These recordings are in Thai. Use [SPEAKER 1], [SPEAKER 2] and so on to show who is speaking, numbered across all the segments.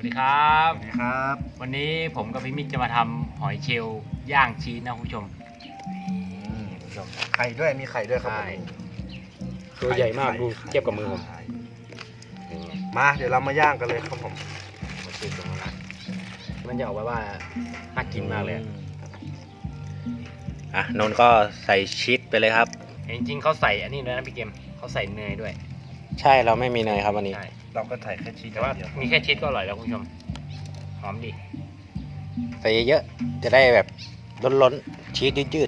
[SPEAKER 1] วัสดีครับ
[SPEAKER 2] สวัสดีครับ
[SPEAKER 1] วันนี้ผมกับพี่มิกจะมาทำหอยเชลล์ย่างชีสนะคุณผู้ชม
[SPEAKER 2] ไข่ด้วยมีไข่ด้วยครับ
[SPEAKER 1] ใช่
[SPEAKER 2] ผม
[SPEAKER 1] ตัวใหญ่มากดูเทียบกับมือผม
[SPEAKER 2] มาเดี๋ยวเรามาย่างกันเลยครับผม
[SPEAKER 1] มาชีสตรงนั้นนะมันจะออกมาว่าน่ากินมากเลย
[SPEAKER 3] นนท์ก็ใส่ชีสไปเลยครับ
[SPEAKER 1] จริงๆเขาใส่อันนี้ด้วยนะพี่เกมเขาใส่เนยด้วย
[SPEAKER 3] ใช่เราไม่มีเนยครับวันนี้
[SPEAKER 1] ใช่
[SPEAKER 2] เราก็ใส่แค่ชีส
[SPEAKER 1] แต่ว่า
[SPEAKER 2] เดียว
[SPEAKER 1] มีแค่ชีสก็อร่อยแล้วคุณผู้ชมหอมดี
[SPEAKER 3] ใส่เยอะๆจะได้แบบล้นๆชีสยืด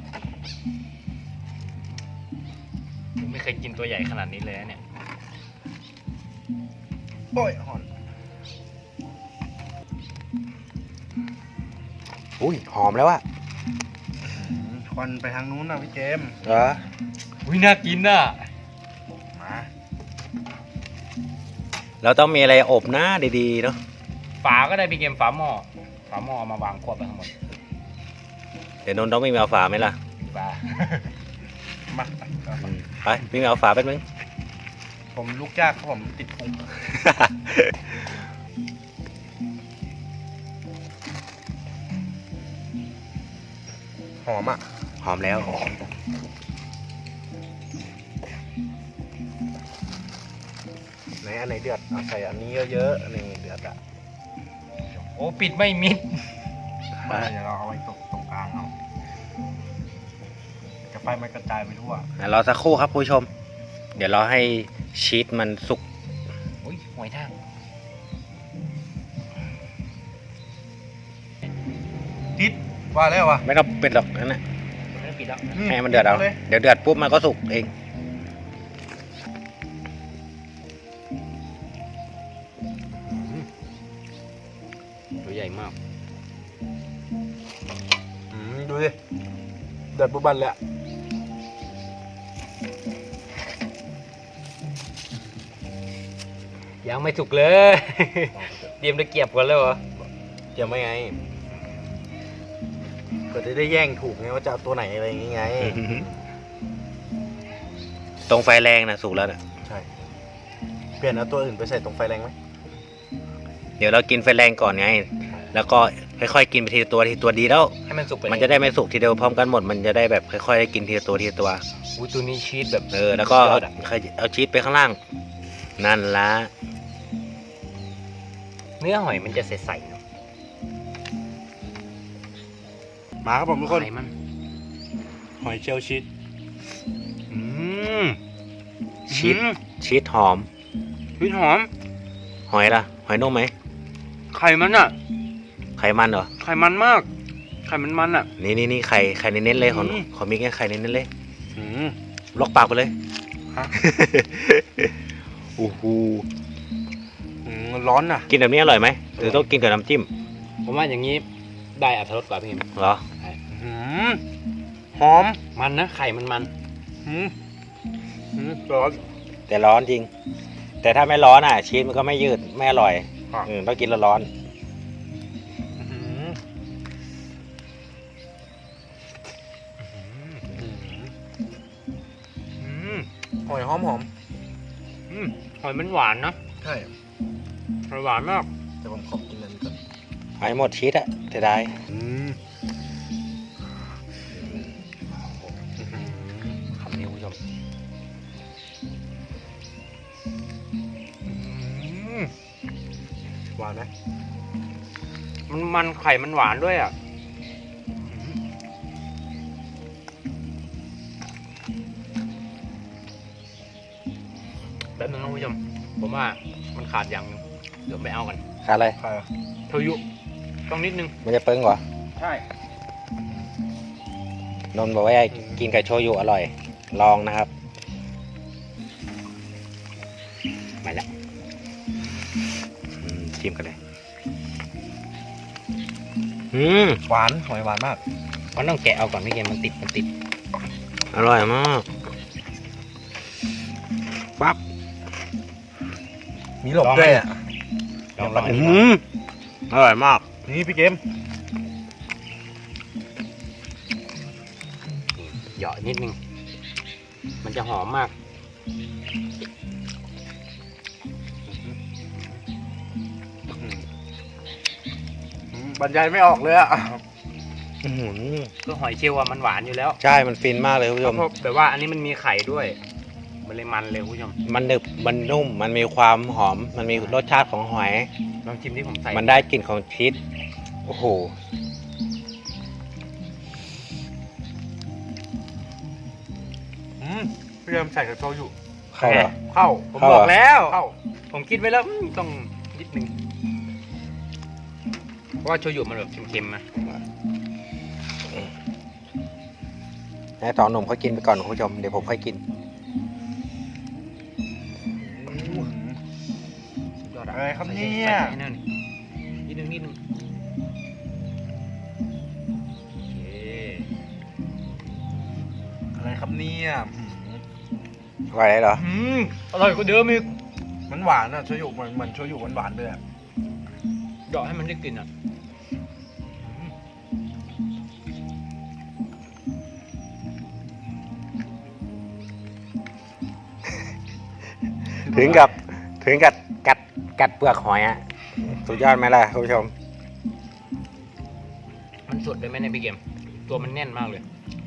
[SPEAKER 1] ผมไม่เคยกินตัวใหญ่ขนาดนี้เลยนะเนี่ย
[SPEAKER 2] โอ้ยหอน
[SPEAKER 3] ๆอุ้ยหอมแล้วอะ
[SPEAKER 2] ควันไปทางนู้นนะพี่เจมส์
[SPEAKER 3] เหรอ
[SPEAKER 1] อุ้ยน่ากินน่ะ
[SPEAKER 2] มา
[SPEAKER 3] เราต้องมีอะไรอบนะดีๆเนาะ
[SPEAKER 1] ฝาก็ได้พี่เกมฝาหม้อเอามาวางควบไปทั้งหมด
[SPEAKER 3] เดี๋ยวนนท์ต้องวิ่งไปเอาฝาไหมล่ะ
[SPEAKER 1] ฝา
[SPEAKER 2] มา
[SPEAKER 3] ไปวิ่งไปเอาฝาแป๊บนึง
[SPEAKER 2] ผมลูกยากครับผมติดพุงหอมอ่ะ
[SPEAKER 3] หอมแล้ว
[SPEAKER 2] ไหนอันไหนเดือดเอาใส่อันนี้เยอะๆอันนี้เดือดอ่ะ
[SPEAKER 1] โอ้ปิดไม่มิด
[SPEAKER 2] มาเดี๋ยวเราเอาไว้ตรงกลางเอาจะไฟมันกระจายไปทั่ว
[SPEAKER 3] รอสักครู่ครับผู้ชม เดี๋ยวเราให้ชีสมันสุก
[SPEAKER 1] อุ้ยหอยทาก
[SPEAKER 2] ติดว่าแล้ววะ
[SPEAKER 3] ไม่ต้องเป็นหรอกนั่นนะ
[SPEAKER 1] ไม่ได้ปิดแล้ว
[SPEAKER 3] ให้มันเดือดเอา
[SPEAKER 2] เลย
[SPEAKER 3] เดี๋ยวเดือดปุ๊บมันก็สุกเอง
[SPEAKER 1] ตัวใหญ่มาก
[SPEAKER 2] ดูดิเดือดบุบันเลยอะ
[SPEAKER 1] ยังไม่สุกเลย เตรียมตะเกียบกันแล้วเหรอ
[SPEAKER 2] เดี๋ยวไม่ไงก็จะได้แย่งถูกไงว่าจะเอาตัวไหนอะไรอย่างงี้ไง
[SPEAKER 3] ตรงไฟแรงนะสุกแล้วนะ
[SPEAKER 2] ใช่ เปลี่ยนเอาตัวอื่นไปใส่ตรงไฟแรงไหม
[SPEAKER 3] เดี๋ยวเรากินไฟแรงก่อนไง แล้วก็ค่อยๆกินไปทีละตัวทีละตัวดีแล้ว
[SPEAKER 1] ให้มันสุกไป
[SPEAKER 3] มันจะได้ไม่สุกทีเดียวพร้อมกันหมด มันจะได้แบบค่อยๆได้กินทีละตัวทีละตัว
[SPEAKER 1] อุ้ยตัวนี้ชีสแบบ
[SPEAKER 3] แล้วก็เอา
[SPEAKER 1] ยดะ
[SPEAKER 3] เอาชีสไปข้างล่าง นั่นละ
[SPEAKER 1] เนื้อหอยมันจะใสๆเนาะ
[SPEAKER 2] มาครับผมทุกคน
[SPEAKER 1] ไข่มัน
[SPEAKER 2] หอยเชลล์ชีส
[SPEAKER 1] อืม
[SPEAKER 3] ชีสชีสหอม
[SPEAKER 1] ชีสหอม
[SPEAKER 3] หอยล่ะ หอยนุ่มไหม
[SPEAKER 1] ไข่มันอ่ะ
[SPEAKER 3] ไขมันเหรอ
[SPEAKER 1] ไข่มันมาก ไข่มันอ่ะ
[SPEAKER 3] นี่ไข่เน้นๆเลยของ
[SPEAKER 1] อืม
[SPEAKER 3] ของมิกเนี่ยไข่เน้นๆเลย
[SPEAKER 2] อืม
[SPEAKER 3] ล็อกปากไปเลย
[SPEAKER 2] ฮะ
[SPEAKER 3] โอ้โห
[SPEAKER 2] ร้อนน่ะ
[SPEAKER 3] กินแบบนี้อร่อยไหมหรือต้องกินกับน้ำจิ้ม
[SPEAKER 1] ผมว่าอย่างนี้ได้อรรถรสกว่าพี่เอ็ม
[SPEAKER 3] เหรอ
[SPEAKER 2] อืมหอม
[SPEAKER 1] มันนะไข่มัน
[SPEAKER 2] อืมร้อน
[SPEAKER 3] แต่ร้อนจริง แต่ถ้าไม่ร้อนชีสมันก็ไม่ยืดไม่อร่อย
[SPEAKER 2] ครับ
[SPEAKER 3] ต้องกินร้อน
[SPEAKER 2] อืม
[SPEAKER 1] อืม
[SPEAKER 2] หอยหอม
[SPEAKER 1] อืมหอยมันหวานนะ
[SPEAKER 2] ใช่
[SPEAKER 1] หอยหวานมาก
[SPEAKER 2] แต่ผมขอกินอันนี้ก่อน
[SPEAKER 3] หอยหมดชีสอะเสียดาย
[SPEAKER 1] คำนี้คุณผู้ชมอืม
[SPEAKER 2] หวานไหม
[SPEAKER 1] มันไข่มันหวานด้วยอ่ะแป๊บนึงนะคุณผู้ชมผมว่ามันขาดอย่างหนึงเดี๋ยวไปเอากัน
[SPEAKER 3] ขาดอะไร
[SPEAKER 2] ใครอะ
[SPEAKER 1] โชยุต้องนิดนึง
[SPEAKER 3] มันจะเปิ้งเหรอ
[SPEAKER 1] ใช่
[SPEAKER 3] นนท์บอกว่ากินกับโชยุอร่อย ลองนะครับ
[SPEAKER 1] มาแล้ว
[SPEAKER 3] ชิมกันเลย
[SPEAKER 2] หวานหอยหวานมาก
[SPEAKER 1] มันต้องแกะเอาก่อนพี่เกมมันติด
[SPEAKER 3] อร่อยมากปั๊บ
[SPEAKER 2] มีหลบด้วยอ่ะ
[SPEAKER 1] ลองอันนี้
[SPEAKER 3] อร่อยมาก
[SPEAKER 2] นี่พี่เกม
[SPEAKER 1] เหยาะนิดนึงมันจะหอมมาก
[SPEAKER 2] อบรรยายไม่ออกเลยอ่ะ
[SPEAKER 3] อื้อหือ
[SPEAKER 1] คือหอยเชลล์อะมันหวานอยู่แล้ว
[SPEAKER 3] ใช่มันฟินมากเลยคุณผู้ชม
[SPEAKER 1] แต่ว่าอันนี้มันมีไข่ด้วย มันเลยมันเลยคุณผู้ชม
[SPEAKER 3] มันหนึบมันนุ่มมันมีความหอม มันมีรสชาติของหอย
[SPEAKER 1] ลองชิมที่ผมใส่
[SPEAKER 3] มันได้กลิ่นของชีสโอ้โห
[SPEAKER 2] พี่เริ่มใส่กับโชยุ
[SPEAKER 3] เข้าเหรอ
[SPEAKER 2] เข้า
[SPEAKER 1] ผม
[SPEAKER 3] เข้า
[SPEAKER 1] บ
[SPEAKER 3] เหรอ
[SPEAKER 1] อกแล้ว
[SPEAKER 2] เข้า
[SPEAKER 1] ผมคิดไว้แล้วต้องนิดนึงเพราะว่าโชยุมันแบบเค็มๆนะ
[SPEAKER 3] ให้สองหนุ่มเขากินไปก่อนคุณผู้ชมเดี๋ยวผมค่อยกิน
[SPEAKER 1] สุดยอด
[SPEAKER 2] อะไรครับเนี่ย
[SPEAKER 1] ใส่ให้หน่อยนิดนึงโอเค
[SPEAKER 2] อะไรครับเนี่ย
[SPEAKER 3] ว่าอะไรเหรอ
[SPEAKER 1] อร่อยกว่าเดิมอีก
[SPEAKER 2] มันหวานอ่ะโชยุเหมือนโชยุหวานๆเลยอ่ะ
[SPEAKER 1] เดาะให้มันได้กลิ่นอ่ะ
[SPEAKER 3] ถึงกับกัดเปลือกหอยอะสุดยอดไหมล่ะคุณผู้ชม
[SPEAKER 1] มันสดเลยไหมเนี่ยพี่เกมตัวมันแน่นมากเลย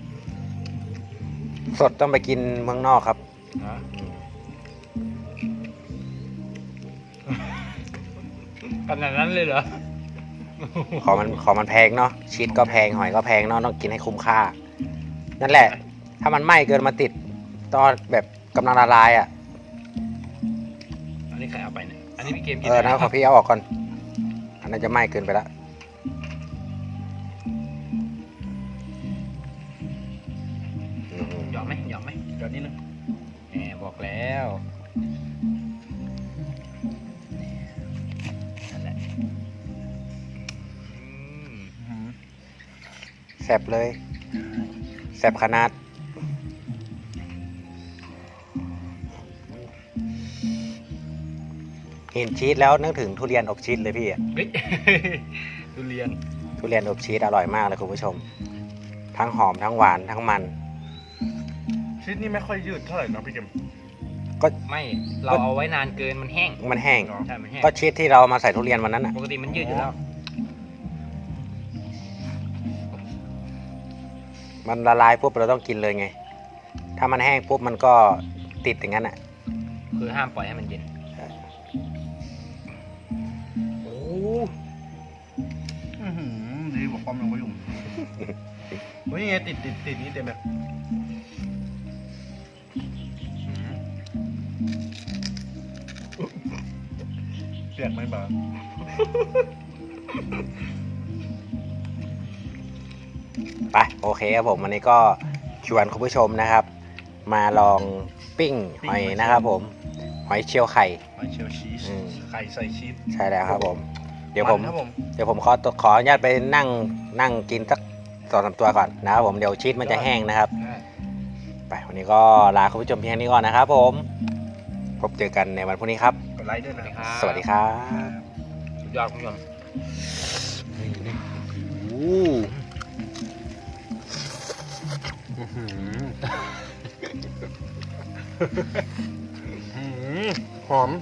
[SPEAKER 3] สดต้องไปกินเมืองนอกครับ
[SPEAKER 1] ขนาดนั้นเลยเหรอ
[SPEAKER 3] ของมันแพงเนาะชีสก็แพงหอยก็แพงเนาะต้องกินให้คุ้มค่า นั่นแหละ ถ้ามันไหม้เกินมาติดตอนแบบกำลังละลายอ่ะ
[SPEAKER 1] อันนี้ใครเอาไปเนี่ยอันนี้พี่เกมกิน
[SPEAKER 3] นะขอพี่เอาออกก่อนอันนั้นจะไหม้เกินไปละอืม
[SPEAKER 1] หยอกไหมหยอกไหม
[SPEAKER 2] เดี๋ยวนี้นึง
[SPEAKER 1] แหมบอกแล้วนั่นแหละ
[SPEAKER 3] แซ่บเลยแซ่บขนาดเห็นชีสแล้วนึกถึงทุเรียนอบชีสเลยพี่อะ
[SPEAKER 1] เฮ้ย ทุเรียน
[SPEAKER 3] ทุเรียนอบชีสอร่อยมากเลยคุณผู้ชม ทั้งหอมทั้งหวานทั้งมัน
[SPEAKER 2] ชีสนี่ไม่ค่อยยืดเท่าไหร่นะพี่เกม
[SPEAKER 1] ไม่เราเอาไว้นานเกินมันแห้ง
[SPEAKER 3] มันแห้ง
[SPEAKER 2] เนาะ
[SPEAKER 1] ใช่มันแห้ง
[SPEAKER 3] ก็ชีสที่เรามาใส่ทุเรียนวันนั้นอ่ะ
[SPEAKER 1] ปกติมันยืดอยู่แล้ว
[SPEAKER 3] มันละลายปุ๊บเราต้องกินเลยไง ถ้ามันแห้งปุ๊บมันก็ติดอย่างนั้นอ่ะ
[SPEAKER 1] คือห้ามปล่อยให้มันเย็น
[SPEAKER 2] โอ้ดีกว่าความยังไม่ยุ่งเฮ้ยไงติดนี่เต็มเลยเปียกไหมบ้า
[SPEAKER 3] ไปโอเคครับผมวันนี้ก็ชวนคุณผู้ชมนะครับ มาลองปิ้งหอยนะครับผมหอยเชลล์ไข่
[SPEAKER 2] หอยเชลล์ชีส
[SPEAKER 3] อืม
[SPEAKER 2] ไข่ใส่ชีส
[SPEAKER 3] ใช่แล้วครับผม เดี๋ยวผม
[SPEAKER 2] นครับผม
[SPEAKER 3] ขออนุญาตไปนั่งกินสัก2-3 ตัวก่อนนะครับผมเดี๋ยวชีสมันจะแห้งนะครับ ไปวันนี้ก็ลาคุณผู้ชมเพียงนี้ก่อนนะครับผมพบเจอกันในวันพรุ่งนี้ครับ
[SPEAKER 2] กดไลค์ด้วยนะครับ
[SPEAKER 3] สวัสดีครับ
[SPEAKER 1] สุดยอดคุณผู้ชม
[SPEAKER 2] หอม